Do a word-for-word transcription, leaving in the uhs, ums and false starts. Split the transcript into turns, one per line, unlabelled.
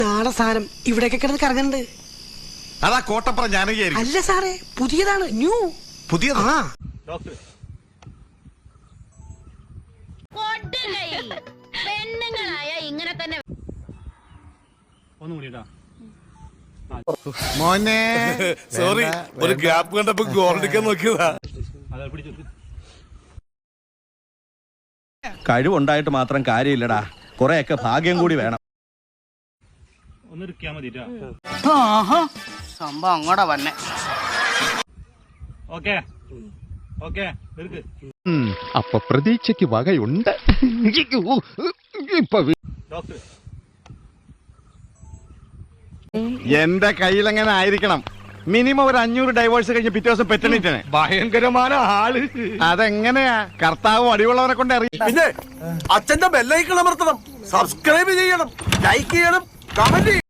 നാളെ സാധനം ഇവിടെയൊക്കെ കിടന്ന് കറങ്ങുന്നുണ്ട്.
അതാ കോട്ടപ്പുറം ജാനകിയായിരിക്കും.
അല്ല സാറേ, പുതിയതാണ്, ന്യൂ.
പുതിയത്?
ആ
പെണ്ണുങ്ങളായ ഇങ്ങനെ തന്നെ.
മോനെ
സോറി, ഒരു ഗ്യാപ്പ് കണ്ടപ്പോ ഗോൾഡിക്കാൻ നോക്കിയതാ.
കഴിവുണ്ടായിട്ട് മാത്രം കാര്യമില്ലടാ, കൊറേയൊക്കെ ഭാഗ്യം കൂടി വേണം.
സംഭവം അങ്ങോട്ടാ വന്നെ.
അപ്പൊ പ്രതീക്ഷയ്ക്ക് വകയുണ്ട്.
എന്റെ കയ്യിലെങ്ങനെ ആയിരിക്കണം മിനിമം ഒരു അഞ്ഞൂറ് ഡൈവേഴ്സ് കഴിഞ്ഞ് പിറ്റേ ദിവസം പെറ്റണിട്ടാണ്.
ഭയങ്കരமான ആള്.
അതെങ്ങനെയാ കർത്താവ് അടിവുള്ളവരെ കൊണ്ട് അറിയാം.
പിന്നെ അച്ഛന്റെ ബെല്ലൈക്കൺ അമർത്തണം, സബ്സ്ക്രൈബ് ചെയ്യണം, ലൈക്ക് ചെയ്യണം, കമന്റ്